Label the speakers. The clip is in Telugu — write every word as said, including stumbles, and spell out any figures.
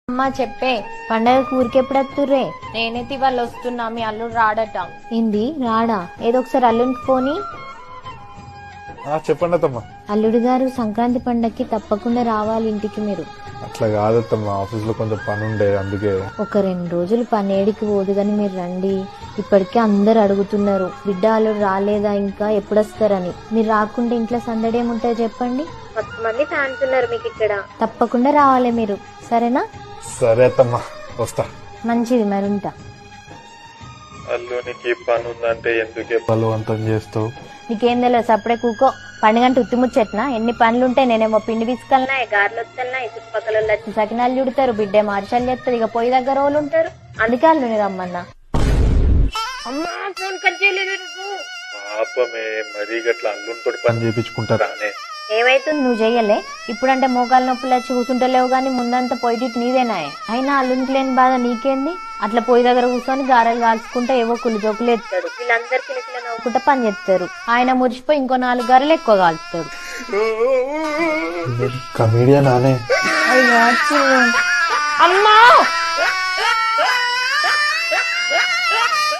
Speaker 1: అమ్మా చెప్పే పండగ ఊరికెప్పుడు వస్తుర్రే? నేనైతే ఇవాళ వస్తున్నా, మీ అల్లుడు రాడట. ఏంది రాడా? ఏదో ఒకసారి అల్లుడికి పోని.
Speaker 2: చెప్పండి అత్తమ్మా.
Speaker 1: అల్లుడు గారు సంక్రాంతి పండగకి తప్పకుండా రావాలి ఇంటికి మీరు.
Speaker 2: అట్లా కాదత్తమ్మా, ఆఫీస్ లో కొంచెం పని ఉండే అందుకే.
Speaker 1: ఒక రెండు రోజులు పని ఏడికి పోదు గాని మీరు రండి. ఇప్పటికే అందరు అడుగుతున్నారు బిడ్డ అల్లుడు రాలేదా ఇంకా ఎప్పుడు వస్తారని. మీరు రాకుండా ఇంట్లో సందడి ఏముంటుంది చెప్పండి. మంది ఫ్యాన్స్ ఉన్నారు మీకు ఇక్కడ. తప్పకుండా రావాలి మీరు, సరేనా?
Speaker 2: సరే అత్తమ్మా, వస్తా.
Speaker 1: మంచిది, మరి ఉంటా.
Speaker 2: అల్లునికి పని ఉందంటే ఎందుకే బలవంతం చేస్తావు?
Speaker 1: నీకేం తెలియదు, సప్పుడే కూకో. పండుగంటే ఉత్తిముచ్చెట్నా? ఎన్ని పనులుంటాయి. నేనేమో పిండి తీసుకెళ్ళినా, గారెలు వస్తున్నాయి, చుట్టుపక్కల వచ్చి సకినాలు చుడతారు, బిడ్డ మార్షాలు చేస్తారు, ఇక పొయ్యి దగ్గర వాళ్ళు ఉంటారు. అందుకే అల్లుని రమ్మన్నా. అమ్మా ఫోన్ కట్ చేయలేదు.
Speaker 2: పాపమే మరీ గట్లా అల్లునితోటి పని చేయించుకుంటారా?
Speaker 1: ఏమైతుంది నువ్వు చెయ్యలే? ఇప్పుడంటే మోకాలు నొప్పులు వచ్చి కూర్చుంటలేవు గానీ ముందంతా పొయ్యి నీదేనాయే. అయినా అల్లునికి లేని బాధ నీకేంది? అట్లా పొయ్యి దగ్గర కూర్చొని గారెలు కాల్చుకుంటే ఏవో కుళ్ళు జోకులు ఎత్తాడు. వీళ్ళందరూ కిలకిల నవ్వుకుంటా పని చేస్తారు. ఆయన మురిసిపోయి ఇంకో నాలుగు గారెలు ఎక్కువ కాల్చుతాడు.
Speaker 2: కమీడియన్ అనే
Speaker 1: అమ్మా